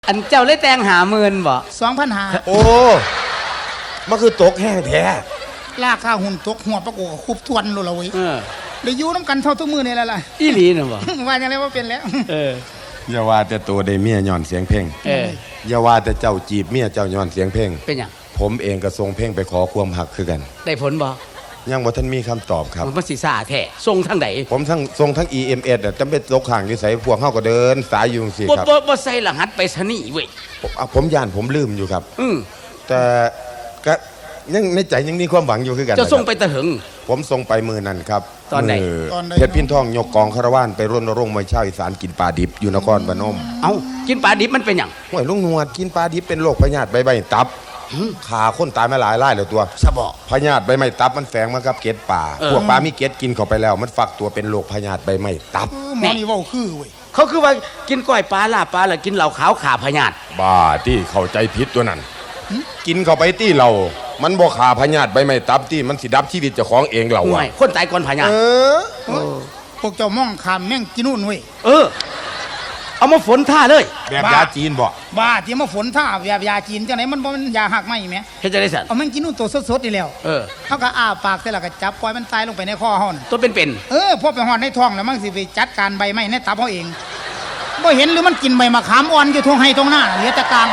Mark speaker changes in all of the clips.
Speaker 1: อันเจ้าเลยแต่ง50,000บ่
Speaker 2: 2,500
Speaker 3: โอ้มันคือตกแห้งแท้
Speaker 2: ราคาหุ่นตกหัวปะกูคุบทวนโลละเว้ย ได้อยู่น้ำกันเท่าทุกมือนี่แหละล่ะ
Speaker 1: อีหลีน่ะบ่
Speaker 2: ว่าอย่างไรว่าเป็นแล้ว
Speaker 3: อย่าว่าแต่ตัวได้เมียย้อนเสียงเพลงอย่าว่าแต่เจ้าจีบเมียเจ้าย้อนเสียงเพลง
Speaker 1: เป็นหยัง
Speaker 3: ผมเองก็ส่งเพลงไปขอความหักคือกัน
Speaker 1: ได้ผลบ่
Speaker 3: ยังบ่ทันมีคำตอบครับ
Speaker 1: มันสิซ่าแท้ส่งทางใด
Speaker 3: ผมส่งทั้ง EMS จำเป็นตกข้างอยู่ไสพวกเฮาก็เดินสายอยู่จังซี่ครับ
Speaker 1: บ่ใส่รหัสไปรษณีย์เว้ย
Speaker 3: ผมย่านผมลืมอยู่ครับแต่ก็ยังในใจยังมีความหวังอยู่คือกัน
Speaker 1: จะส่งไปตะหึง
Speaker 3: ผมส่งไปมือนั่นครับ
Speaker 1: ตอนไหน
Speaker 3: เพชรพินทองยกกองคารวานไปรณรงค์มวยชาวอีสานกินปลาดิบอยู่นครพนม
Speaker 1: เอ้ากินปลาดิบมันเป็นหยัง
Speaker 3: ห้วยลุงหนวดกินปลาดิบเป็นโรคพยาธิใบไม้ตับขาคนตายมาหลายรายแล้วตัว
Speaker 1: สะบอ
Speaker 3: พยาธิใบไม้ตับมันแฝงมากับเกล็ดปลาพวกปลามีเกล็ดกินเข้าไปแล้วมันฝักตัวเป็นโรคพยาธิใบไม้ตับ
Speaker 2: หมอนี่ว่าคือเว้ย
Speaker 1: เขาคือว่ากินก้อยปลาลาบปลาแล้วกินเหล้าขาวขาพยาธิ
Speaker 3: บ้าที่เข้าใจผิดตัวนั้นกินเข้าไปที่เรามันบ่ขาพยาธิใบไม้ตับที่มันสิดับชีวิตเจ้าของเองเรา
Speaker 1: อะคนตายก่อนพยาธิ
Speaker 2: พวกเจ้ามองขามแม่งกินนู่นเว้ย
Speaker 1: เอามาฝนท่าเลย
Speaker 3: แบบยาจีนบ่
Speaker 2: บ้าที่มาฝนท่าแบบยาจีนจังไหนมันบ่มันยาหักไหมแม่
Speaker 1: เฮ็ดจังได๋สั่น
Speaker 2: เอาแม่งกินนู่นตัวสดๆนี่แล้วเฮาก็อ้าปากแต่ละก็จับปล่อยมันตายลงไปในคอเฮาน่ะ
Speaker 1: ตัวเป็น
Speaker 2: พอไปฮอดในท้องแล้วมันสิไปจัดการใบไม้ในตับเฮาเองบ่เห็นหรือมันกินใบมะขามอ่อนอยู่ทุ่งไห้ตรงหน้าเหลือแต่กลาง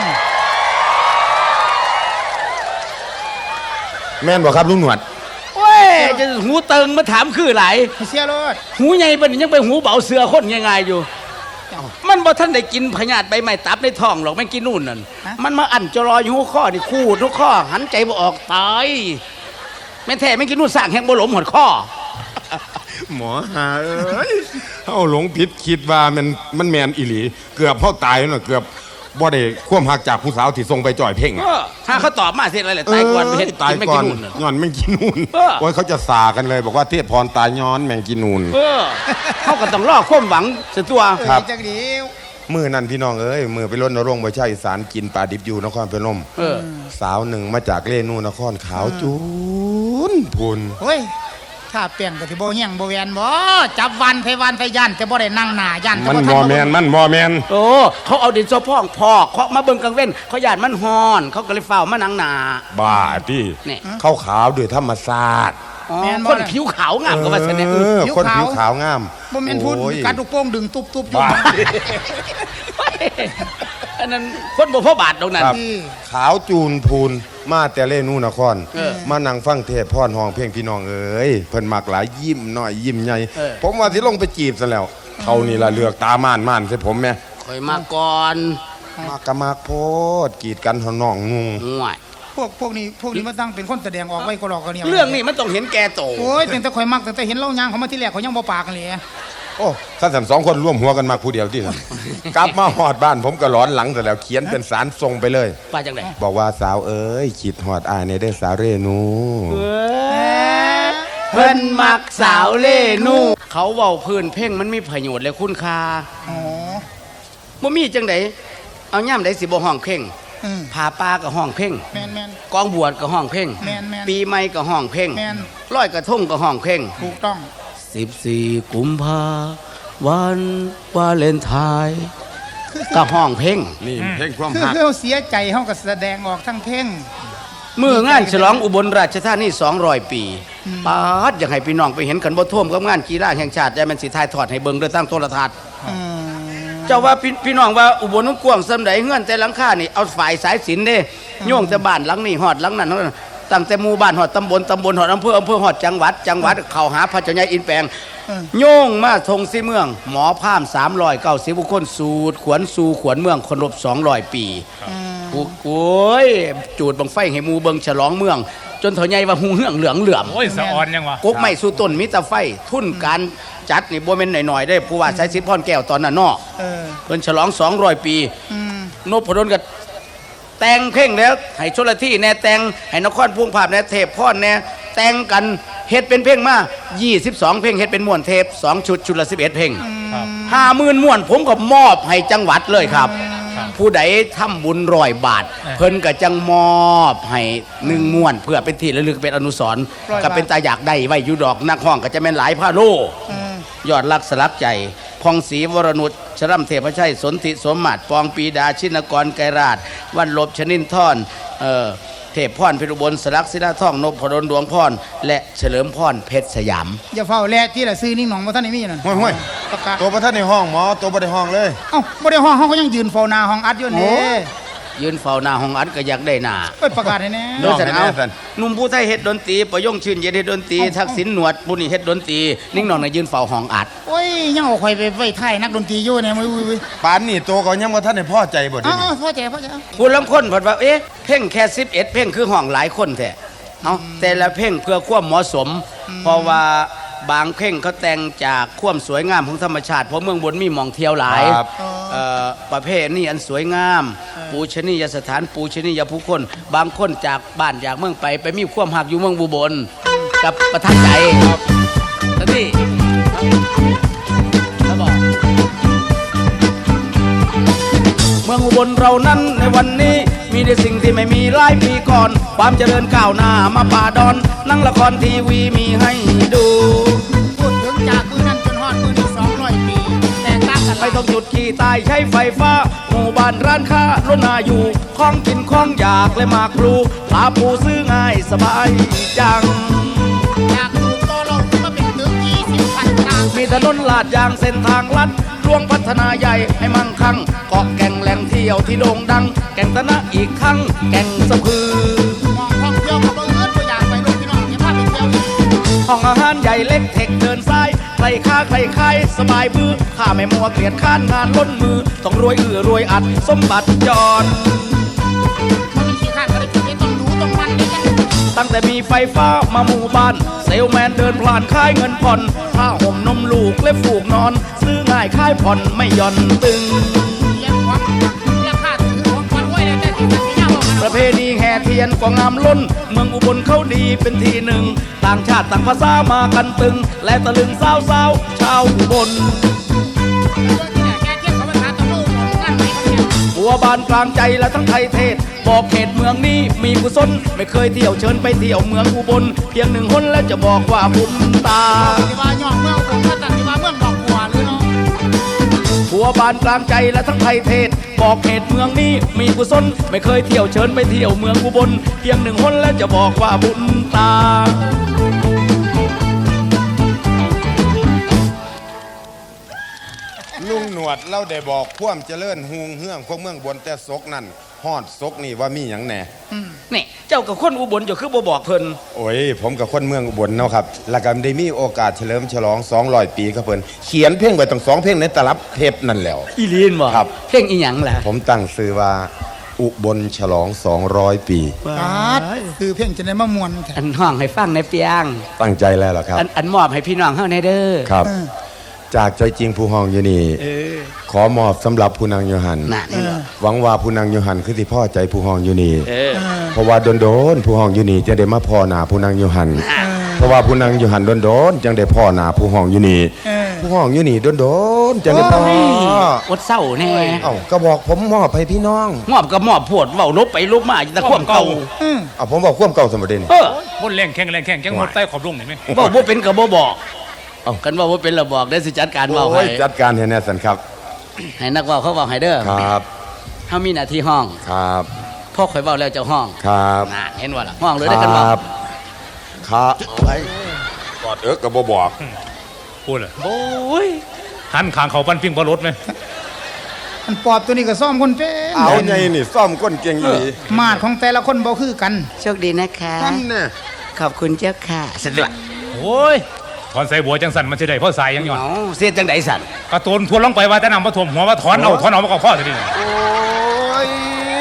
Speaker 3: แม่นบ่ครับลุงหนวด
Speaker 1: โอ้ยจะหูเติงมาถามคือหลาย
Speaker 2: เสียรถ
Speaker 1: หูใหญ่ปานนี้ยังไปหูเบาเสือคนง่ายๆอยู่มันบ่ทันได้กินพยาธิใบไม้ตับในท้องหรอกแม่งกินนู่นนั่นมันมาอั่นจะรออยู่หัวข้อนี่คู่ทุกข้อหันใจบ่ออกตายแม่แท้แม่งกินนู่นสร้างแห่งบ่หลมหดข้อ
Speaker 3: หมอหาเอ้ยเฮาหลงผิดคิดว่ามันแม่นอีหลีเกือบเฮาตายแล้วเกือบบ่ได้ความหักจากผู้สาวที่ส่งไปจ่อยเพ่ง
Speaker 1: ถ้าเขาตอบมาเสร็จอะไรแหละตายก่อนเฮ็ด
Speaker 3: ตายก่อนย้อนแม่งกินนูนโอ้ยเขาจะสากันเลยบอกว่าเทพพรตายย้อนแม่งกินนูน
Speaker 1: เขาก็ต้องรอความหวังเสียตัว
Speaker 3: ครับมือนั่นพี่น้องเอ้ยมือไปรณรงค์ประชาอีสานกินปลาดิบอยู่นครพนมสาวหนึ่งมาจากเล่นูนครขาวจูนพูน
Speaker 2: เฮ้ยถ้าเปลี่ยนก็สิบ่เฮียงบ่แวนบ่จับวันไผย่านแต่บ่ได้นั่งหน้าย่าน
Speaker 3: มันบ่แม่น
Speaker 1: โอ้เขาเอาดินสอพองพอกเขามาเบิ่งกลางเว้นเขาย่านมันฮ้อนเขาก็เลยเฝ้ามานั่งหน้า
Speaker 3: บ้าที่เขาขาวด้วยธรรมชาติ
Speaker 1: คนผิวขาวงามก็ว่าซั่นแหละ
Speaker 3: คนผิวขาวงาม
Speaker 2: บ่แม่นพูดกัดลูกโป่งดึงตุ๊บๆอยู่
Speaker 1: อันนั้นคนบ่พอบาทตรงนั้น
Speaker 3: ขาวจูนพูนมาแต่เล่นูนครมานั่งฟังเทศพ่อนห้องเพลงพี่น้องเอ้ยเพิ่นมักหลายยิ้มน้อยยิ้มใหญ่ผมว่าสิลงไปจีบซะแล้วเขานี่ล่ะเลือกตาม่านใส่ผมแม่
Speaker 1: ค่อยมาก่อน
Speaker 3: มากะมากโพดกีดกันเฮาน้องงง
Speaker 2: พวกนี้มาตั้งเป็นคนแสดงออกไว้ก็หลอกกันเนี่ย
Speaker 1: เรื่องนี้มันต้องเห็นแก่โต
Speaker 2: โอ้ยแต่ข่อยมักแต่เห็นเล่ายางเขามาที่แรกเขายังบ่ปากกันเลย
Speaker 3: โอ้ท่านสองคนร่วมหัวกันมาผู้เดียวที่ท่านกลับมาหอดบ้านผมก็ร้อนหลังแต่แล้วเขียนเป็นสารส่งไปเลย
Speaker 1: ว่าจังได๋
Speaker 3: บอกว่าสาวเอ้ยคิดหอดอายในเด้อสาวเรนู
Speaker 1: เพิ่นมักสาวเรนูเขาเว้าพื้นเพ่งมันมีประโยชน์และคุณค่าบ่มีจังได๋เอาย่ำใดสิบ่ห้องเพ่งผาปลาก็ห้องเพ่งกองบวชก็ห้องเพ่งปีใหม่ก็ห้องเพ่งลอยกระทงก็ห้องเพ่ง
Speaker 2: ถูกต้อง
Speaker 1: 14 กุมภาวันวาเลนไทน์ก็ห้องเพ่ง
Speaker 3: นี่เพ่งความ
Speaker 2: หักคือเสียใจเฮาก็แสดงออกทั้งเพ่ง
Speaker 1: มื้องานฉลองอุบลราชธานี200 ปีปาดอยากให้พี่น้องไปเห็นกันบ่ท่วมกับงานกีฬาแห่งชาติได้มันสิถ่ายทอดให้เบิ่งด้วยตั้งโทรทัศน์เจ้าว่าพี่น้องว่าอุบลกว้างซำใดเฮือนแต่หลังคานี่เอาฝ่ายสายศิลป์เด้โยงแต่บ้านหลังนี้ฮอดหลังนั้นตั้งแต่หมู่บ้านฮอดตำบลฮอดอำเภอฮอดจังหวัดเข้าหาพระเจ้าใหญ่อินแปลงโยงมาทงสิเมืองหมอพาม390บุคคลสูตรขวนสู่ขวนเมืองคนรบ200 ปีโอ้ยจูดบังไฟให้หมู่เบิ่งฉลองเมืองจนเฒ่าใหญ่ว่าหูเหืองเหลืองเหลื่อม
Speaker 4: โอ้ยสะออนยังวะ
Speaker 1: กกไม้สู่ต้นมีแต่ไฟทุนการจัดนี่บ่แม่นน้อยๆได้ผู้ว่าสายสิทธิ์พรแก้วตอนนั้นเนาะเพิ่นฉลอง200 ปีนพดลก็แต่งเพลงแล้วให้ชลที่แน่แต่งให้นครพุ่งภาพแน่เทพพรแน่แต่งกันเฮ็ดเป็นเพลงมา22เพลงเฮ็ดเป็นม่วนเทป2ชุดละ11เพลง50,000ม่วนผมก็มอบให้จังหวัดเลยครับผู้ใดทำบุญ100 บาทเพิ่นก็จังมอบให้1ม่วนเพื่อเป็นที่ระลึกเป็นอนุสรณ์ก็เป็นตาอยากได้ไว้อยู่ดอกนักห้องก็จะแม่นหลายพาโลยอดรักสลักใจพองศรีวรนุชชรัมเทพชัยสนธิสมมาตรปองปีดาชินกรไกรราชวันลบชนินทรเทพพรเพชรอุบลสลักศิลาทองนพดลดวงพรและเฉลิมพรเพชรสยาม
Speaker 2: อย่าเฝ้าแลที่ละซื้อนิ่งหนองบ่ทันได้มีนั่น
Speaker 3: ห้วย
Speaker 2: ประกาศ
Speaker 3: ตัวประท่านในห้องหมอตัวบ่ได้ห้องเลย
Speaker 2: เอ้าบ่ได้ห้องเฮาก็ยังยืนเฝ้าหน้าห้องอัดอยู่นี่
Speaker 1: ยืนเฝ้าหน้าห้องอัดก็อยากได้หน้า
Speaker 2: เอ้ยประกาศให้แน่
Speaker 1: โดยสันเอา
Speaker 3: แน่สัน
Speaker 1: หนุ่มผู้ไทยเฮ็ดดนตรีประยงชื่นเย็นเฮ็ดดนตรีทักษิณหนวดผู้นี้เฮ็ดดนตรีนิ่งหนองน่ะยืนเฝ้าห้องอัด
Speaker 2: โอ้ยยังเอาข่อยไปไว้ท้ายนักดนตรีอยู่เนี่ยอุ้ย
Speaker 3: ปานนี่ตัวก็ยังบ่ท่านได้พอใจบ่เดี๋ยว
Speaker 2: อ้า
Speaker 3: นี้
Speaker 2: วพ่อใจพ่อใจ
Speaker 1: ผู้ลำคนเพิ่นว่าเอ๊ะเพ่งแค่11เพ่งคือห้องหลายคนแท้เอาแต่ละเพ่งเพื่อความเหมาะสม เพราะว่าบางเพ่งเขาแต่งจากความสวยงามของธรรมชาติเพราะเมืองบนมีหม่องเที่ยวหลาย
Speaker 3: ครับ
Speaker 1: ประเภทนี้อันสวยงาม ปูชนียสถานปูชนียผู้คน บางคนจากบ้านจากเมืองไปมีความหักอยู่เมืองบุบลกับประทับใจนั่นนี่แล้วบอกเมืองอุบลเรานั้นในวันนี้มีแต่สิ่งที่ไม่มีหลายปีก่อน ความเจริญก้าวหน้ามาป่าดอนนั่งละครทีวีมีให้ดู
Speaker 2: พูดถึงจากมือนั้นจนฮอดมือนี้200 ปีแต่ต่างกัน
Speaker 1: ไม่ต้องหยุดขี่ตายใช้ไฟฟ้า หมู่บ้านร้านค้าล้นนาอยู่ของกินของอยากและมากพลูปลาปูซื้อง่ายสบายจัง
Speaker 2: จากถูกโตลงมาเป็นถึง20พันทาง
Speaker 1: มีถนนลาดยางเส้นทางลัดรวงพัฒนาใหญ่ให้มั่งคั่งเกาะแก่งแหล่งเที่ยวที่โด่งดัง แก่งตะนะอีกครั้งแก่งสะพือ
Speaker 2: มองท่องเที่ยวกับบ่เอิ้นบ่อยากไปลงพี่น้องอย่าพาไปเที่ยวอีก
Speaker 1: ห้องอาหารใหญ่เล็กเทคเดินซ้ายใครค้าใครขายสบายมือข้าไม่มัวเกลียดค้านงานล้นมือ ต้องรวยรวยอัดสมบัติจร
Speaker 2: มันมีขี้ข้านก็ได้จุดนี้ต้องรู้ต้องมันนี่กัน
Speaker 1: ตั้งแต่มีไฟฟ้ามาหมู่บ้าน เซลแมนเดินผ่านขายเงินผ่อนผ้าห่มนมลูกและฝูกนอน ซื้อง่ายขายผ่อนไม่หย่อนตึง
Speaker 2: เลี้ยงของราคาถือของคนไว้แล้วแต่ที่มันสิยากบ่
Speaker 1: ประเพณีแห่เทียนก็งามล้น เมืองอุบลเขาดีเป็นที่หนึ่ง ต่างชาติต่างภาษามากันตึง และตะลึงสาวชาวอุบล
Speaker 2: แกเทียบเขาภาษาตะลุงานไหนเขาเนี่ย
Speaker 1: บัวบานกลางใจและทั้งไทยเทศ บอกเขตเมืองนี้มีกุศลไม่เคยเที่ยวเชิญไปเที่ยวเมืองอุบลเพียงหนึ่งคนแล้วจะบอกว่าบุญตา
Speaker 2: ที่ว่าย่องเมืองผมก็ตัดที่ว่าเมืองดอกบัวเลยเนาะ
Speaker 1: บัวบานกลางใจและทั้งไทยเทศ บอกเขตเมืองนี้มีกุศลไม่เคยเที่ยวเชิญไปเที่ยวเมืองอุบลเพียงหนึ่งคนแล้วจะบอกว่าบุญตา
Speaker 3: ลุงหนวดเราได้บอกความเจริญฮูงเฮืองของเมืองบนแต่ซกนั่นฮอดซกนี่ว่ามีหยังแหน่
Speaker 1: นี่เจ้ากับคนอุบลจะคือบ่บอกเพิ่น
Speaker 3: โอ้ยผมกับคนเมืองอุบลเนาะครับแล้วก็ได้มีโอกาสเฉลิมฉลอง200 ปีครับเพิ่นเขียนเพลงไว้ตั้ง2เพลงในตลับเทปนั่นแหล้ว
Speaker 1: อีลีนบ่
Speaker 3: ครับ
Speaker 1: เพลงอีหยังล่ะ
Speaker 3: ผมตั้งชื่อว่าอุบลฉลอง200 ปี
Speaker 2: ปาดคือเพ่งจะได้มามวนแท้
Speaker 1: อันห้องให้ฟังในเปียง
Speaker 3: ตั้งใจแล้วล่ะครับ
Speaker 1: อันมอบให้พี่น้องเฮาในเด้อ
Speaker 3: ครับ จากใจจริงผู้ห้องอยู่นี่
Speaker 1: เออ
Speaker 3: ขอมอบสำหรับผู้นางโยหัน
Speaker 1: น่ะนี่บ่
Speaker 3: หวังว่าผู้นางโยหันคือที่พ่อใจผู้ห้องอยู่นี่
Speaker 1: เออ
Speaker 3: เพราะว่าโดนๆผู้ห้องอยู่นี่จะได้มาพ่อหนาผู้นางโยหัน เพราะว่าผู้นางโยหันโดนๆจังได้พ่อหนาผู้ห้องอยู่นี่ผู้ห้องอยู่นี่โดนๆจังได้พ่อ
Speaker 1: อดเศร้าแน่
Speaker 3: เอ้าก็บอกผมมอบให้พี่น้อง
Speaker 1: มอบกับมอบโพดเว้าลบไปลบมาอยู่แต่ความเก่า
Speaker 3: เอาผมบอกความเก่าสมบัตินี่
Speaker 1: เออ
Speaker 4: พ่นแรงแข้งจังหมดใต้ขอบลุงเห็นไหม
Speaker 1: บ่บ่เป็นก็บ่บอก
Speaker 3: เอ้า
Speaker 1: กันว่าบ่เป็นแล้วบอกได้สิจัดการเว้า
Speaker 3: โอ้
Speaker 1: ให้
Speaker 3: ยจัดการให้แน่สันครับ
Speaker 1: ให้นักเว้าเขาเว้าให้เด้อ
Speaker 3: ครับ
Speaker 1: เฮามีหน้าที่ห้อง
Speaker 3: ครับ
Speaker 1: พ่อข่อยเว้าแล้วเจ้าห้อง
Speaker 3: ครับ
Speaker 1: น่ะเห็นว่าล่ะห้องเลยได้กันบ่
Speaker 3: ครับครับไปกอดก็บ่บอก
Speaker 4: พูดเลย
Speaker 1: โอ้ย
Speaker 4: หันขางเขาปั้นปิ้งบอรถไหม
Speaker 2: มันปอบตัวนี้ก็ซ่อมคนเป็น
Speaker 3: เอาไงนี่ซ่อมก้นเก่งอยู่นี่
Speaker 2: มาดของแต่ละคนบ่คือกัน
Speaker 1: โชคดีนะคะ
Speaker 3: นั่นน่ะ
Speaker 1: ขอบคุณเจ้าค่ะสะดวก
Speaker 4: โอ้ยถอนใส่บัวจังสันมันจะได้พ่อสายยังหย่อน
Speaker 1: เอ้าเสียจังไดสั่น
Speaker 4: กระตูนทวนลงไปว่าแต่นำมาถ่วมหัวว่าถอนเอามากับพ่อสิ
Speaker 3: โอ้ย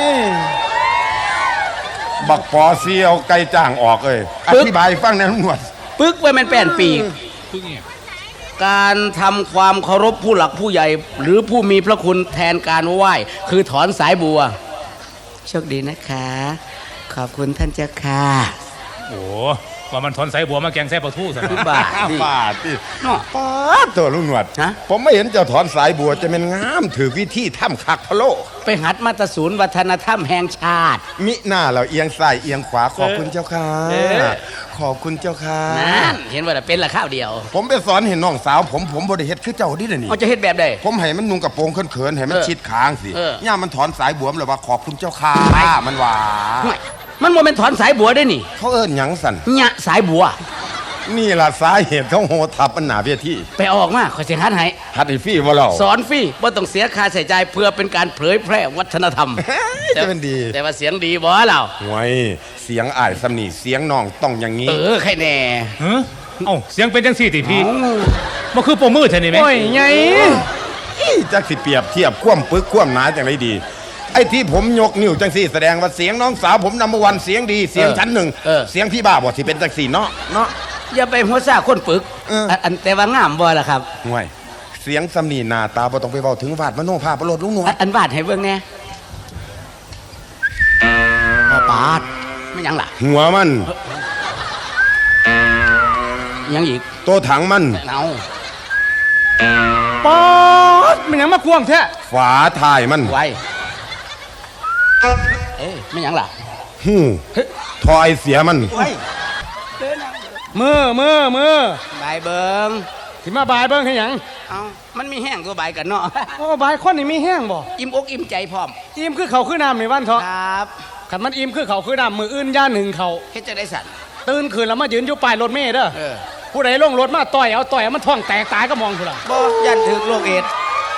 Speaker 3: บักปอเสียวไก่จ้างออกเลยอธิบายให้ฟังแหนะลุงหนวด
Speaker 1: ปึกไว้มันแป้นปีก
Speaker 4: พึ่งเนี่ย
Speaker 1: การทำความเคารพผู้หลักผู้ใหญ่ หรือผู้มีพระคุณแทนการไหว้คือถอนสายบัว โชคดีนะคะ ขอบคุณท่านเจ้าค่ะ
Speaker 4: โอ้ว่ามันถอนสายบัวมาแกงแซ่บปลาทูซะ
Speaker 1: คือบ้าดิ
Speaker 3: บาดที่
Speaker 1: เนาะ
Speaker 3: ป้าดตัวลุงหนวด
Speaker 1: ฮะ
Speaker 3: ผมไม่เห็นเจ้าถอนสายบัวจะเป็นงามถือวิธีถ้ำคักพะโล
Speaker 1: ไปหัดมาตรศูนย์วัฒนธรรมแห่งชาติ
Speaker 3: มิหน้าเราเอียงซ้ายเอียงขวาขอบคุณเจ้าค่ะ
Speaker 1: เออ
Speaker 3: ขอบคุณเจ้าค่ะ
Speaker 1: นั่นเห็นว่าแต่เป็นละข้าวเดียว
Speaker 3: ผมไปสอนเห็นน้องสาวผมบ่ได้เฮ็ดคือเจ้าดิเดี๋ยวนี่
Speaker 1: เขาจะเฮ็ดแบบใด
Speaker 3: ผมให้มันนุ่งกระโปรงเขินๆให้มัน
Speaker 1: เออ
Speaker 3: ชิดค้างสิ
Speaker 1: เออย่
Speaker 3: ามมันถอนสายบัวมันเลยว่าขอบคุณเจ้าค่ะ
Speaker 1: ไป
Speaker 3: มันว่า
Speaker 1: ห่วยมันโมเมนถอนสายบัวได้นี่
Speaker 3: เขาเอิ้นหยังสั่น
Speaker 1: หยะสายบัว
Speaker 3: นี่ล่ะสาเหตุเขาโหทับมันหนาเวที
Speaker 1: ไปเอาออกมาขอยสิหัดให้
Speaker 3: ฮัดให้ฟรีบ่เล่า
Speaker 1: สอนฟรีบ่ต้องเสียค่าใช้จ่ายเพื่อเป็นการเผยแพร่วัฒนธรรม
Speaker 3: จะเป็นดี
Speaker 1: แต่ว่าเสียงดีบ่เรา
Speaker 3: ห่วยเสียงอ้ายสำนีเสียงน้องต้องอย่างนี้
Speaker 1: ใครแน่
Speaker 4: เฮ้เอ้าเสียงเป็นจังซี่ติพี่บ่คือโปรมือเท่านี้แม่
Speaker 1: โอ้ยไง
Speaker 3: จักสิเปรียบเทียบความปึกความหนาจังไรดี ไอ้ที่ผมยกนิ้วจังสี่แสดงว่าเสียงน้องสาวผมนำวันเสียงดีเสียงชั้นหนึ่งเสียงพี่บ้าบ่สิเป็นจังสี่เนาะ
Speaker 1: อย่าไปหัวซ่าคนปึก
Speaker 3: เอออั
Speaker 1: อันแต่ว่างามบ่ล่ะครับ
Speaker 3: ห่วยเสียงสำนีหน้าตาบ่ต้องไปเว้าถึงวาดมโนภาพประโลดลุงหนวด
Speaker 1: อันวาดให้เบิ่งแน่ปาดไม่หยังล่ะ
Speaker 3: หัวมัน
Speaker 1: ยังอีก
Speaker 3: โตถังมัน
Speaker 1: เอา
Speaker 2: ป๊อดมันยังมาควงแท้
Speaker 3: ฝาถ่ายมัน
Speaker 1: ไว้ไม่หยังล่ะ
Speaker 3: หูทอยเสียมัน
Speaker 2: มือ
Speaker 1: ใบายเบิ่ง
Speaker 2: สิมาบายเบิ่งให้หยัง
Speaker 1: เอามันมีแห้งตัวใบายกันเนาะ
Speaker 2: โอ้บายคนนี่มีแห้งบ่
Speaker 1: อิ่มอกอิ่มใจพร้อม
Speaker 2: อิ่มคือเขาคือน้ำในวันเถาะ
Speaker 1: ครับ
Speaker 2: ขันมันอิ่มคือเขาคือน้ำมืออื่นย่าหนึ่งเขา
Speaker 1: เฮ็ดจะได้สั่น
Speaker 2: ตื่นคืนแล้วมายืนอยู่ป้ายรถเมล์เด้อ
Speaker 1: เออ
Speaker 2: ผู้ใดลงรถมาต่อยเอามันท้องแตกตายก็มองพุ่นล่ะ
Speaker 1: บ่ยันถึกโรคเอดส์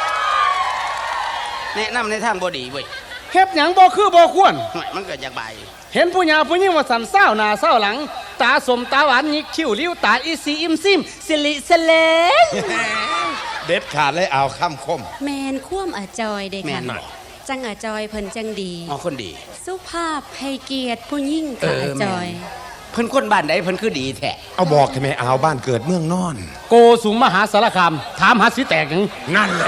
Speaker 1: แนะนำในทางบ่ดีเว้ย
Speaker 2: เฮ็ดหยังบ่คือบ่ควร
Speaker 1: ห่วยมันเกิดจากใบาย
Speaker 2: เห็นผู้หญิงผู้หญิงว่าสันเศร้าหน้าเศร้าหลัง ตาสมตาหวานหยิกคิ้วลิ้วตาอีสีอิมซิมสิลิสเล
Speaker 3: เด็ดขาดเลยเอาคำคม
Speaker 5: แมนคว่ำอาจอยเด้
Speaker 1: แม่
Speaker 5: ค่ะ
Speaker 1: นบ่
Speaker 5: จังอาจอยเพิ่นจังดี
Speaker 1: อ๋อคนดี
Speaker 5: สุภาพให้เกียรติผู้ยิ่งค่ะอาจอย
Speaker 1: เพิ่นคนบ้านใดเพิ่นคือดีแท้
Speaker 3: เอาบอกทำไมเอาบ้านเกิดเมืองนอน
Speaker 2: โกสูงมหาสารคามถามหาสิแตกหยัง
Speaker 3: นั่นแหละ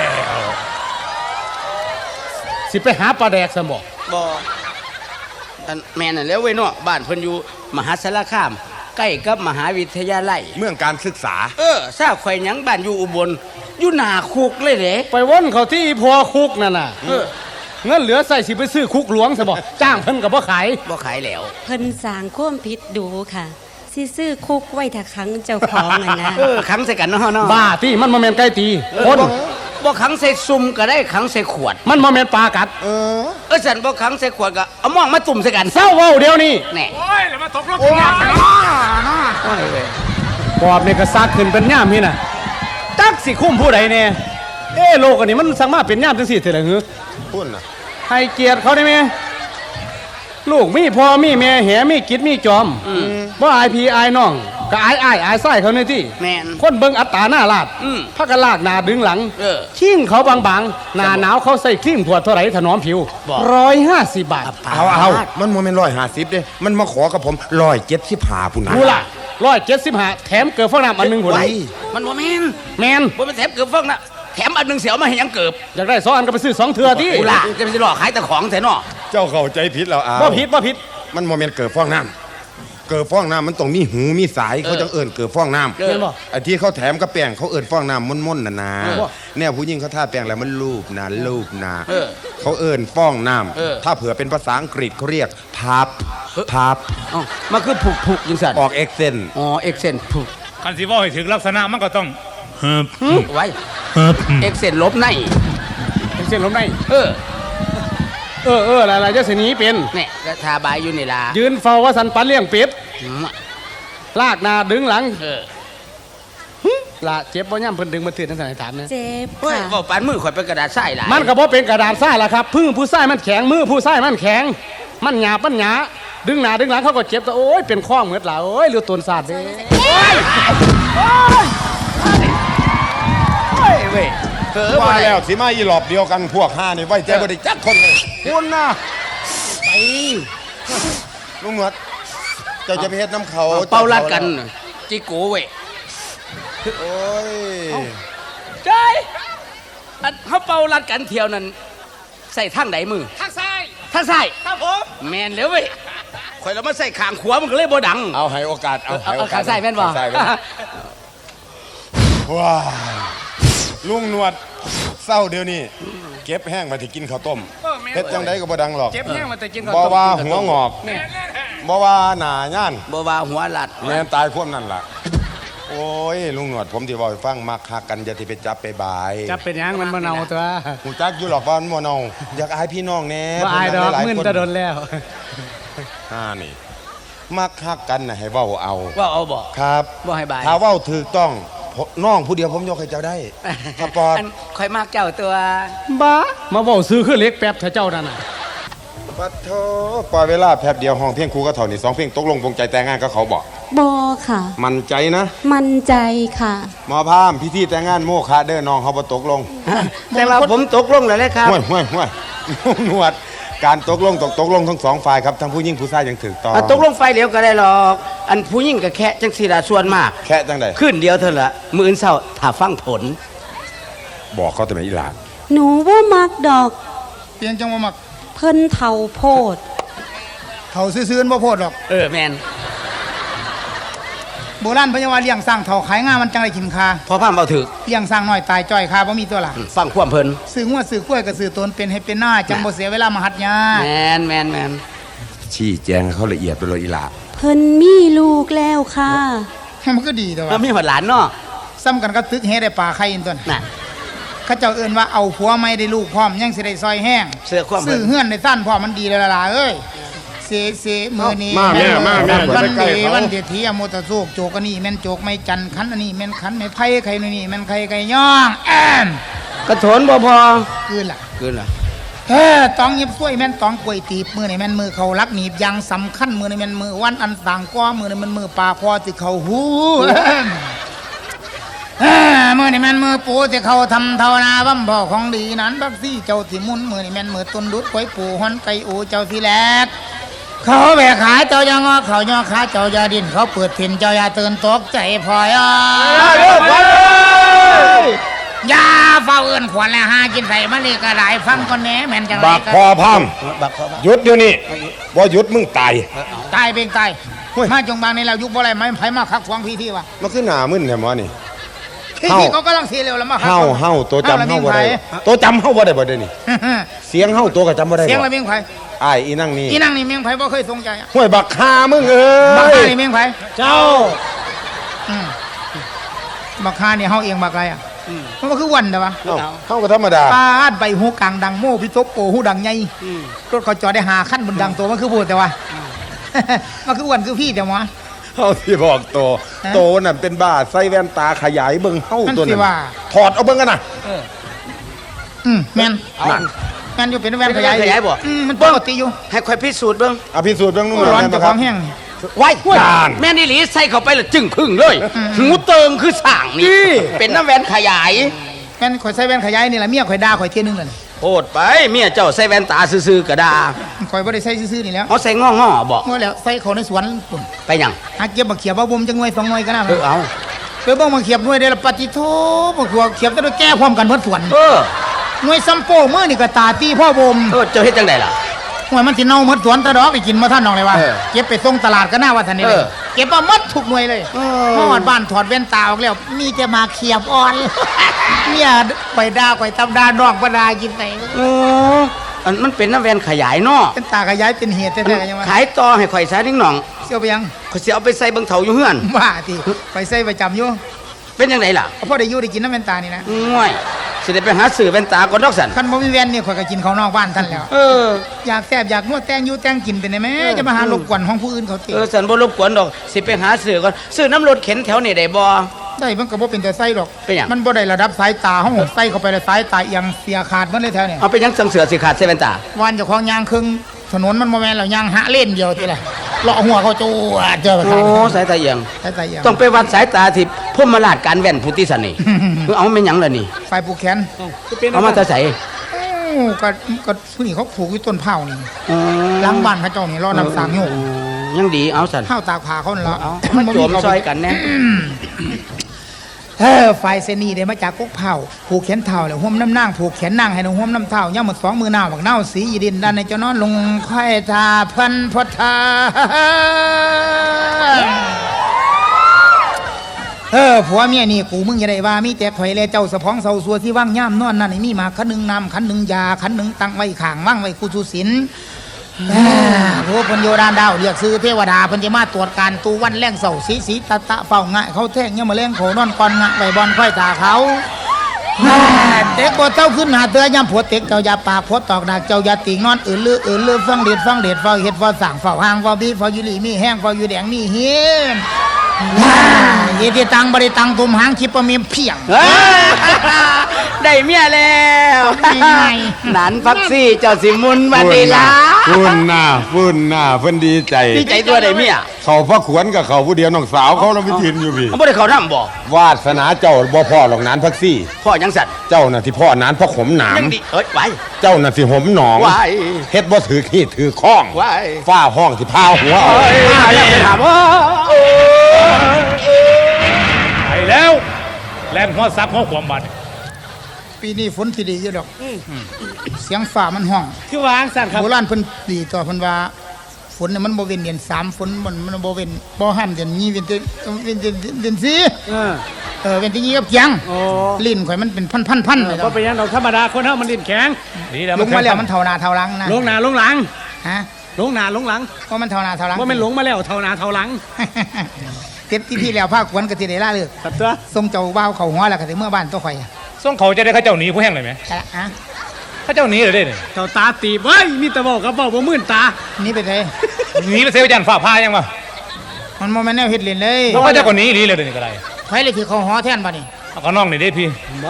Speaker 2: สิไปหาปลาแดกซะบ่
Speaker 1: บ่อันแม่นั่นแหล้วเว้ยเนาะบ้านเพิ่นอยู่มหาสารคาม ใกล้กับมหาวิทยาลัย
Speaker 3: เมืองการศึกษา
Speaker 1: ทราบข่อยหยังบ้านอยู่อุบลอยู่หน้าคุกเลยเด้
Speaker 2: ไปวนเขาที่พอคุกนั่นน่ะเงินเหลือใส่สิไปซื้อคุกหลวงซะบ่จ้างเพิ่นก็บ่ขาย
Speaker 1: บ่ขายแล้ว
Speaker 5: เพิ่นสร้างความผิดดูค่ะสิซื้อคุกไว้ถ้าครั้งเจ้าของอะนะ
Speaker 1: ขังใส่กันเนาะเนาะ
Speaker 2: บ้าที่มันบ่แม่นไก่ตีคน
Speaker 1: บ่ขังใส่ซุ่มก็ได้ขังใส่ขวด
Speaker 2: มันบ่แม่นปลากัด
Speaker 1: สันบ่ขังใส่ขวดก็เอาหม่องมาตุ่มใส่กัน
Speaker 2: เศร้าเว้าเดี๋ยวนี้
Speaker 1: แน่
Speaker 4: โอ้ยแล้วมาตกลงกันยากกัน
Speaker 1: โอ้ยเว้ย
Speaker 2: ปอบนี่ก็ซักขึ้นเป็นย่ามนี่น่ะจักสิคุ้มผู้ใดแน่โลกอันนี้มันสังมาเป็นย่ามจังซี่เถิดล่ะหือ
Speaker 3: พุ่นน่ะ
Speaker 2: ให้เกียรติเขาได้ไหมลูกมีพ่อมีแม่แหมีกิจมีจอมบ่อายพี่อายน้องก็อายไส้เขาในที่
Speaker 1: แม่น
Speaker 2: คนเบิ่งอัตตาหน้าลาด
Speaker 1: อืม
Speaker 2: พักกะลากหน้าดึงหลัง ชิ่งเขาบางๆหน้าหนาวเขาใส่ครีมขวดเท่าไหร่ถนอมผิว
Speaker 1: บอก
Speaker 2: 150 บาท
Speaker 3: เอามันโมเมน150เด้มันมาขอกับผม175พุ่นนะ
Speaker 2: กูล่ะ175แถมเกิดฟองน้ำอันหนึงพุ่น
Speaker 3: ไว้
Speaker 1: มันบ่แม่น
Speaker 2: แมน
Speaker 1: บ่เป็นแถมเกือบฟองนะแถมอันหนึงเสียวมาให้หยังเกือบ
Speaker 2: อยากได้2อันก็ไปซื้อ2เทื่อที่
Speaker 1: กูล่ะจะไปสิหลอกขายแต่ของแท้เนาะ
Speaker 3: เจ้าเข้าใจผิดแล้วเอา
Speaker 2: บ่ผิด
Speaker 3: มันโมเมนเกิดฟองน้ำเกิดฟองน้ำมันต้องมีหูมีสายเขาจังเอิญเกิดฟองน้ำ
Speaker 2: เห็นบ่
Speaker 3: ไอ้ที่เขาแถมกับแป้งเขาเอิญฟองน้ำม่นๆนะเนี่ยผู้หญิงเขาทาแป้งแล้วมันลูบนะเขาเอิญฟองน้ำถ้าเผื่อเป็นภาษาอังกฤษเขาเรียกพับ
Speaker 1: อ๋อมันคือผูกจังซั่น
Speaker 3: ออกเอ็กเซน
Speaker 1: อ๋อเอ็กเซนผูก
Speaker 4: คันสิว่าให้ถึงลักษณะมันก็ต้องเฮิบ
Speaker 1: ไว้เอ็กเซนลบใน
Speaker 2: เป็นเส้นลมใน
Speaker 1: เออ
Speaker 2: หลายๆจะสิหนีเป็น
Speaker 1: แน่ก็ทาบายอยู่นี่ล่ะ
Speaker 2: ยืนเฝ้าว่าสันปันเลี้ยงเป็ด
Speaker 1: อืม
Speaker 2: ลากหน้าดึงหลัง
Speaker 1: เออ
Speaker 2: ละเจ็บบ่ย่ำเพิ่นดึงมาถือทั้งสายถามนะ
Speaker 5: เจ็บ
Speaker 1: เฮ้ย
Speaker 5: ค่ะ
Speaker 1: บ่ปานมือข่อยเป็นกระดาษทรายหลาย
Speaker 2: มันก็บ่เป็นกระดาษทรายล่ะครับพึ่งผู้ชายมันแข็งมือผู้ชายมันแข็ง มันหยาบมันหยาดึงหน้าดึงหลังเขาก็เจ็บแต่โอ้ยเป็นข้องเหมือนล่ะโอ้ยเรือตนสาดเด้
Speaker 1: เฮ้ยเว้ยบ่
Speaker 3: ว่า
Speaker 1: ได้
Speaker 3: แล้วสิมาอีหลอบเดียวกันพวกห้านี่ไว้ใจบ่ได้จักคนเลยคุณนะ
Speaker 1: ไป
Speaker 3: ลุงหนวดเจ้าจะไปเฮ็ดน้ำเขา
Speaker 1: เป่าลัดกันจิโกเว้ย
Speaker 3: โอ้ย
Speaker 1: ใช่อันเขาเป่าลัดกันเที่ยวนั้นใส่ทางไหนมือ
Speaker 2: ทางซ้าย
Speaker 1: ทางซ้าย
Speaker 2: ครับผม
Speaker 1: แมนแล้วเว้ยข่อยแล้วมาใส่ขางขวามันก็เลยบ่ดัง
Speaker 3: เอาให้โอกาสเอาให้โอกาส
Speaker 1: ขาใส่แม่นบ่
Speaker 3: ขาใส่แม่นว้าวลุงหนวดเศร้าเดี๋ยวนี้เก็บแห้งมาที่กินข้าวต้มเฮ็ดจังไดก็บ่ดังหรอก
Speaker 2: เจ็บแห้งมาแต่กิน
Speaker 3: บ่ว่าหัวงอกบ่ว่าหน้าย่าน
Speaker 1: บ่ว่าหัวหลัด
Speaker 3: แม่นตายพวกนั่นล่ะโอ้ยลุงหนวดผมที่เว้าให้ฟังมักฮักกันอย่าที่ไปจับไปบาย
Speaker 2: จับเป็นหยังมันบ่เนาตัว
Speaker 3: หูจักอยู่หรอกว่ามันบ่เนาอยากอายพี่น้องแน่
Speaker 2: บ่อายดอก
Speaker 3: หลายๆ
Speaker 2: มึน
Speaker 3: คน
Speaker 2: จะโดนแล้ว
Speaker 3: นี่มักฮักกันน่ะให้เว้าเอา
Speaker 1: ว่าเอาบ่
Speaker 3: ครับ
Speaker 1: บ่ให้บาย
Speaker 3: ถ้าเว้าถูกต้องน้องผู้เดียวผมยกให้เจ้าได้สปอร์ต
Speaker 1: อันข่อยมากเจ้าตัว
Speaker 2: บ้ามาเว้าซื้อคือเล็กแป๊บเถอะเจ้านั่นน่ะ
Speaker 3: ปัดโทปล่อยเวลาแป๊บเดียวห้องเพียงครูก็เท่านี้2เพลงตกลงปลงใจแต่งงานก็เขาบอก
Speaker 5: บอค่ะ
Speaker 3: มั่นใจนะ
Speaker 5: มั่นใจค่ะ
Speaker 3: หมอพามพิธีแต่งงานโมฆะเด้อน้องเขาบ่ตกลง
Speaker 1: แต่ว่าผมตกลงแล้วเลยครับ
Speaker 3: ห่วยห่วยห่วยหนวดการตกลงทั้งสองฝ่ายครับทั้งผู้หญิงผู้ชายยังถูกต้อง
Speaker 1: ตกลงไฟเหลวก็ได้หรอก อันผู้หญิงกับแค่จังสีละส่วนมาก
Speaker 3: แค่จังใด
Speaker 1: ขึ้นเดียวเท่านั้นละมื้ออื่นเช้าถ้าฟังผล
Speaker 3: บอกเขาแต่ไม่อีหลาน
Speaker 5: หนูว่ามักดอก
Speaker 6: เปลี่ยนจังว่ามัก
Speaker 5: เพิ่นเท่าโพด
Speaker 6: เขาซื่อๆบ่โพดหรอก
Speaker 1: แมน
Speaker 6: โบราณพญาวาเลี้ยงสร้างเท่าขายง่ามันจังได้กินคา
Speaker 1: พอพามเบาถึก
Speaker 6: เลี้ยงสร้างน้อยตายจ้อยคาบ่มีตัวหลัก
Speaker 1: ฟังความเพิ่น
Speaker 6: ซื้องัวซื้อกล้วยก็ซื้อตนเป็นให้เป็นหน้าจังบ่เสียเวลามาหัดยา
Speaker 1: แมน
Speaker 3: ชี้แจงให้เขาละเอียดไปเลยอีหลา
Speaker 5: เพิ่นมีลูกแล้วค่ะ
Speaker 6: มันก็ดีแต่
Speaker 1: แล้ว
Speaker 6: ว่า
Speaker 1: มีหัวหลานเนาะ
Speaker 6: ซ้ำกันก็ตึกเฮได้ปลาไข่อินตัว
Speaker 1: น่ะ
Speaker 6: เขาเจ้าเอิ้นว่าเอาผัวไม่ได้ลูกพร้อมยังสิได้ซอยแห้ง
Speaker 1: เสื้อความเพิ่
Speaker 6: ซื้อน เฮือนได้สั้นพร้อมมันดีเลยล่ะเอ้ยเสมื้อนี้
Speaker 3: มาแม่
Speaker 6: วัน
Speaker 3: ใกล้
Speaker 6: ดี
Speaker 3: ๆเขา
Speaker 6: วันเดียทีอโมตะโซกโจกอันนี้แม่นโจกไม่จันคันอันนี้แม่นคันไม่ไผ่ไข่นี่แม่นไข่ไก่ย่องแอม
Speaker 1: กระโถนบ่พอ
Speaker 6: คือล่ะ
Speaker 1: เกินล่ะ
Speaker 6: ตองยิบซ้วยแม่นตองกล้วยตีบมือนี่แม่นมือเขารักหนีบยังสำคัญมือนี่แม่นมือวันอันต่างก้อมือนี่มันมือปลาคอสิเขาหูมือนี่แม่นมือปูสิเขาทำเท่านาบัมพ่อของดีนั้นบักซี่เจ้าที่มุนมือนี่แม่นมือต้นดุดกล้วยปูฮอนไก่อูเจ้าที่แลกเขาแบกขาเจ้ายังอเขาย่อขาเจ้ายาดินเขาเปิดถิ่นเจ้าอย่าตื่นตกใจพลอยอย่าเฝ้าเอื้นขวัญและหากินใส่มะลิกระไดฟังก่อนแหน่แม่นจังไร
Speaker 3: บัก
Speaker 6: กัน
Speaker 3: พอพาม
Speaker 1: บักพอ
Speaker 3: หยุดเดี๋ยวนี้บ่หยุดมึงตาย
Speaker 6: ตายเป็นตาย
Speaker 3: เฮ้ย
Speaker 6: มาจงบางในเรายุคบ่อะไรไม่ไผมาคักขวางพี่ที่วะ
Speaker 3: มันคือหน้ามึนแท้หมอนี่
Speaker 6: พี่
Speaker 3: เฮ้า
Speaker 6: ที่เขากำลังเสียเร็วแล้วมาคัก
Speaker 3: เฮาตัวจำเฮาบ่ได้
Speaker 6: เ
Speaker 3: ตัวจำเฮาบ่ได้บ่ได้นี่ เสียงเฮาตัวก็จำบ่ได้
Speaker 6: สียง
Speaker 3: บ่
Speaker 6: ละเมียงไผ
Speaker 3: อ้ายอีนั่งนี่
Speaker 6: อีนั่งนี่เมียงไผบ่เคยสงใจอะ
Speaker 3: ห้วยบักคามึงเอ้
Speaker 6: บักฮาย นี่เมียงไผ
Speaker 2: เจ้า
Speaker 6: อืมบักฮานี่เฮาเองบักอะไรอ่ะมันก็คือวันแต่ว่า
Speaker 3: เอ้าเฮาก็ธรรมดา
Speaker 6: ปาดใบหูกลางดังโม่พิศพโอหูดังใหญ่รถเขาจอดได้หาขั้นบนดังตัวมันคือพูดแต่ว่า มันคือวันคือพี่แต่ว่า
Speaker 3: เฮาสิบอกโต
Speaker 6: ฮะ
Speaker 3: โตนั่นเป็นบ้าใส่แว่นตาขยายเบิ่งเฮา
Speaker 6: มัน
Speaker 3: ตัว
Speaker 6: สิ
Speaker 3: นั้น
Speaker 6: ว่า
Speaker 3: ถอดเอาเบิ่งกันน่ะ
Speaker 6: แม่น
Speaker 3: นั่น
Speaker 6: แม่นอยู่เป็นแว่นขยาย
Speaker 1: ขยายบ่
Speaker 6: มันปกติอยู่
Speaker 1: ให้ข่อยพิสูจน์เบิ่ง
Speaker 3: อภิสูจน์เบิ่งนู่น
Speaker 6: ร้อน
Speaker 3: แม่น
Speaker 6: จะ
Speaker 3: บ่
Speaker 6: ค
Speaker 3: ครั
Speaker 6: วา
Speaker 3: บ
Speaker 6: มแห้ง
Speaker 1: ไว้
Speaker 3: นาน
Speaker 1: แม่นี่หลีใส่เข้าไปและจึงพึ่งเลยหูเติงคือสร้างนี่เป็นน้ำแว่นขยาย
Speaker 6: แม่นข่อยใส่แว่นขยายนี่แหละเมียข่อยด่าข่อยเที่ยนึงเลย
Speaker 1: โหดไปเมียเจ้าใส่แว่นตาซื่อๆก็ได้
Speaker 6: ข่อยบ่ได้ใส่ซื่อๆนี่แล้ว
Speaker 1: เอาใส่ง้อๆบอก
Speaker 6: เมื่อแล้วใส่เขาในสวนปุ่น
Speaker 1: ไปหยัง
Speaker 6: หาเก็บบักเขียบว่าบ่มจังหน่วย2หน่วยก็น่า
Speaker 1: เอา
Speaker 6: ไปเบิ่งบักเขียบหน่วยได้ละปฏิโทบักหัวเขียบจะได้แก้พร้อมกันหมดสวน
Speaker 1: เออ
Speaker 6: หน่วยซัมโป้มื้อนี่ก็ตาตีพ่อบ่ม
Speaker 1: เจ้าเฮ็ดจังไดล่ะ
Speaker 6: หน่วยมันสิเน่าหมดสวนตะดอกไปกินบ่ทันดอกเลยว่า
Speaker 1: เออ
Speaker 6: เก็บไปส่งตลาดก็น่าว่าทันนี่เล
Speaker 1: เอย อ
Speaker 6: เก็บมาหมดทุกหน่วยเลยฮอดบ้านถอดแว่นตาออกแล้ว มีแต่มาเขียบอ่อน เมียไปด่าข่อยตำด่าน้องบ่ด่ากินไส
Speaker 1: โอ้อันมันเป็นน้ำแว่นขยายเนาะ
Speaker 6: เป็นตาขยายเป็นเหตุแท้ๆยังว่า
Speaker 1: ขายต่อให้ข่อยซะนิ่งหน่อง
Speaker 6: เสียวไปยัง
Speaker 1: ข่อยสิเอาไปใส่เบิ่งเถาอยู่เฮือน
Speaker 6: ว่าติไปใส่ประจำอยู่
Speaker 1: เป็นจังไดล่ะ
Speaker 6: เอาพ่อได้อยู่ได้กินน้ำแว่นตานี่นะ
Speaker 1: ง่วยสิได้ไปหาซื้อแว่นตาก่อนดอกสัน
Speaker 6: คันบ่มีแว่นเนี่ยข่อยก็กินข้าวนอกบ้านท่านแล้ว
Speaker 1: เออ
Speaker 6: อยากแซ่บอยากนวดแต่งอยู่แต่งกินเป็นได้ไหมจะมาหารบกวนของผู้อื่นเขาติ
Speaker 1: สันบ่รบกวนดอกสิไปหาซื้อก่อนซื้อน้ำรถเข็นแถวนี่ได้บ่
Speaker 6: ได้มันก็บ่เป็นแต่ไส้หรอก
Speaker 1: เป็นหยัง
Speaker 6: มันบ่ได้ระดับสายตาเฮาใส่เข้าไปแล้วสายตาเอียงเสียขาดหมันเลยแถวเนี่ย
Speaker 1: เอาไปยังสังเสือสิขาดใส่แว่นตา
Speaker 6: วันเจ้าของยางครึ่งถนนมันบ่แม่นแล้วยางหะเล่นเดียวทีละเลาะหัวเขาจูดเจอไป
Speaker 1: โอ้
Speaker 6: ทาง
Speaker 1: สายตาเอียง
Speaker 6: สายตาเอียง
Speaker 1: ต้องไปวัดสายตาที่พมราชการแว่นพุทธิสันนี่ เอาแม่นหยังล่ะนี่
Speaker 6: ไฟผูกแขน
Speaker 1: เอามาแตาใส่
Speaker 6: อู้ก็ผู้นี่เขาผูกอยู่ต้นเผานี่
Speaker 1: อ๋อ
Speaker 6: หลังบ้านเขาเจ้านี่รอน้ำสางโยก
Speaker 1: ยังดีเอาสัน
Speaker 6: เผาตากผ้าเขานั่นละ
Speaker 1: เอามาโจมซอยกันแน่
Speaker 6: ฝ่ายเซนีได้มาจากกกเผาผูกแขนเท้าแล้วห่มน้ำนางผูกแขนนางให้น้องห่มน้ำเท้าย่าหมดสองมือหน้าบักเน่าสีอีดินด้านในเจ้านอนลงค่อยทาพันพทาผัวเมียนี่กูมึงอย่าได้ว่ามีแต่ข่อยและเจ้าสะพ้องเสาสัวที่ว่างย่ำนอนนั่นนี่มีมาขันหนึ่งน้ำขันหนึ่งยาขันหนึ่งตั้งไว้ข้างว่างไว้กูสุสินพวกพญโยดานดาวเรียกซื้อเทวดาพันจะมาตรวจการตูวันแรงเสาสีตะเฝ้างะเขาแท่งเนี่ยมาแรงโขนอนก่อนงะใบบอลค่อยตาเขาเด็กบ่เต้าขึ้นหาเตือยำผัวเต็กเจ้าอย่าปากผัวตอกดักเจ้าอย่าติงนอนอื่นลือฟังเด็ดเฝ้าเฮ็ดเฝ้าสั่งเฝ้าหางเฝ้าบีเฝ้ายุลีมีแห้งเฝ้าอยู่แดงมีเฮียนเยติตังบริตังตุมหางคิปะเมียเพียง
Speaker 1: ได้เมียแล้ว
Speaker 6: ง่าย
Speaker 1: หนานพักซี่เจ้าสิมุนมาดีละ
Speaker 3: ฝุ่นหน้าเพิ่นดีใจ
Speaker 1: ดีใจตัวได้เมีย
Speaker 3: เขาพระขวนกับเขาผู้เดียวน้องสาวเขาเราไปยืนอยู่พี่
Speaker 1: เขาบ่ได้เขาทำบ่
Speaker 3: วาสนาเจ้าบ่พ่อหรอกนานพักซี่
Speaker 1: พ่อยังสัตว์
Speaker 3: เจ้าน่ะที่พ่อนานเพราะขมหนาม
Speaker 1: ยังดีเอ้ยไว้
Speaker 3: เจ้าน่ะสิหมหนอง
Speaker 1: ไว้
Speaker 3: เฮ็ดบ่ถือขี้ถือข้อง
Speaker 1: ไว้
Speaker 3: ฝ้าห้องที่พาหัวเอา
Speaker 1: มาแล้วไปถามว่า
Speaker 4: ไปแล้วแล่นหัวซับหัวขวามบัด
Speaker 6: ปีนี้ฝนสิดีอยู่ดอกเสียงฟ้ามันห้อง
Speaker 2: คือวางสั่นครับ
Speaker 6: โบราณเพิ่นดีต่อเพิ่นว่าฝนเนี่ยมันบ่เว้นเดือน3ฝนมันบ่เว้นบ่ห้ามเดือนนี้เว้นเดือน4เว้นที่นี้กับยัง
Speaker 2: โอ้
Speaker 6: ลิ้นข่อยมันเป็นพันๆเลย
Speaker 2: ก็เป็นอยังดอกธรรมดาคนเฮามันดินแข็ง
Speaker 4: นี่แล้ว
Speaker 6: ลงมาแล้วมันเท่าหน้าเท่าหลังนะ
Speaker 2: ลงหน้าลงหลัง
Speaker 6: ฮะ
Speaker 2: ลงหน้าลงหลัง
Speaker 6: ว่ามันเท่าหน้าเท่าหลัง
Speaker 2: ว่ามันหลงมาแล้วเท่าหน้าเท่าหลัง
Speaker 6: เต็มที่แล้วภาคกวนก็สิได้ลาเลิก
Speaker 2: ครับตัว
Speaker 6: ส่งเจ้าบ่าวเข้าหัวแล้วก็สิเมื่อบ้านตัวข่อย
Speaker 4: ส่งเขาจะได้เขาเจ้าหนีผู้แห้งเลยไหม
Speaker 6: ฮะ
Speaker 4: เขาเจ้าหนีเลยได้เนี่ย
Speaker 2: เจ้าตาตีบเว้ยมีแต่บอกกับบอกบ่มื่นตา
Speaker 6: นี่ไปไส
Speaker 4: หนีไปเซลยันฝ่าพายังวะ
Speaker 6: มันบ่แม่นแนวเฮ็ดเล่นเลย
Speaker 4: เพราะเขาเจ้าคนหนีหนีเลยเดี๋ยวนี้ก็ได้
Speaker 6: ไผเลยที่เข้าหอแทนบัดนี้
Speaker 4: เอาก็น้องนี่ได้พี่
Speaker 2: บ่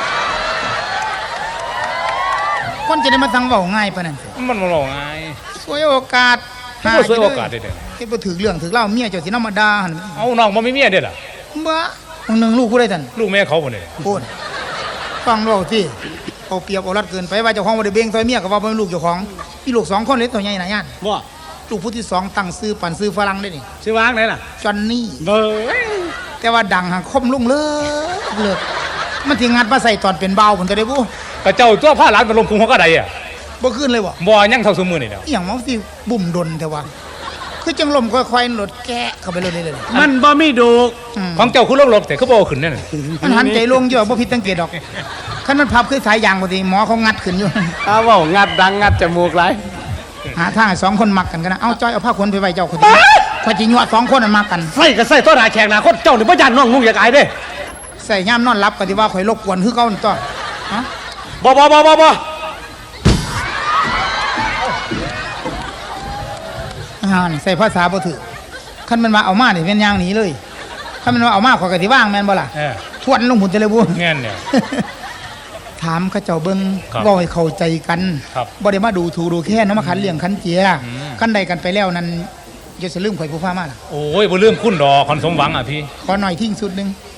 Speaker 6: คนจะได้มาสั่งเว้าง่ายปานนั้น
Speaker 4: มันมาหลอกไง
Speaker 6: สวยโอกาส
Speaker 4: มันก็สวยโอกาสเด็ด
Speaker 6: เฮ็ดบ่ถึกเรื่องถึกเล่าเมียเจ้าสินำมาด่าหั่น
Speaker 4: เอาน้องมันไม่มีเด็ดอ่ะ
Speaker 6: บ่หนึ่งลูกผู้ใดท่าน
Speaker 4: ลูกแม่เขาคนนี้
Speaker 6: พูดฟังเราสิเอาเปรียบเอารัดเกินไปว่าเจ้าของบ่ได้เบ่งซอยเมียก็ว่าบ่เป็นลูกเจ้าของมีลูก2คนเลยตัวใหญ่หนาย่าน
Speaker 2: บ่
Speaker 6: ลูกผู้ที่2ตั้งชื่อปันชื่อฝรั่งได้นี่
Speaker 2: ชื่อวางไหนล่ะ
Speaker 6: จอนนี่
Speaker 2: เบ้ย
Speaker 6: แต่ว่าดังหังคมลุงเลิกมันสิงัดมาใส่ตอนเป็นเบาพุ่นจะได้บ่
Speaker 4: กระเจ้าตัวผ้าร้านมันลงพุงเขาก็ได้อ่ะ
Speaker 6: บ่ขึ้นเลยบ่
Speaker 4: บ่ยังเท่าสมือนี่เดียว
Speaker 6: อีหยังมันสิบุ่มดนแต่ว่าคือจังลมค่อยๆหลดแกะเข้าไปเลยเลย
Speaker 2: มันบ่มีดูก
Speaker 4: ของเจ้าคุณลกแต่เขาบอกขึ้นนั่น
Speaker 6: มันหันใจลงเยอะบ่ผิดสังเกตดอกคันมันพับคือสายยางบ่สิหมอเขางัดขึ้นอยู่
Speaker 2: อ้าวเว้างัดดังงัดจมูกหลาย
Speaker 6: หาทางให้2คนมักกันกันนะเอาจ้อยเอาผ้าขนไปไว้เจ้าคนนี้ข่อยสิยั่ว2คนนั้นมักกัน
Speaker 2: ใส่ก็ใส่ตัวหน้าแขกหน้าคนเจ้านี่บ่ย่านน้องนุ่งอยากอายเด้
Speaker 6: ใส่ย่ามนอนรับก็ที่ว่าข่อยรบกวนคือเก่านั่นตัวฮะ
Speaker 2: บ่
Speaker 6: นี่ใส่ภาษาบ่ถือคันมันมาเอามานี่เป็นอย่างหนี้เลยคันมันมาเอามาข่อยก็สิว่างแม่นบ่ล่ะทวนลงหุ่นจะเลยบ่
Speaker 4: เงี้ยเนี่ย
Speaker 6: ถามเขาเจ้าเบิ่ง
Speaker 4: ครับ
Speaker 6: เว้าให้เข้าใจกัน
Speaker 4: ครับ
Speaker 6: บ่ได้มาดูถูกดูแค่นำมาขันเลี้ยงขันเจียคันใดกันไปแล้วนั้นอย่าสิลืมข่อยผู้ฟ้ามาล่ะ
Speaker 4: โอ้ยบ่ลืมคุณดอกคนสมหวังอ่ะพี่
Speaker 6: ขอหน่อยทิ้งสุดหนึง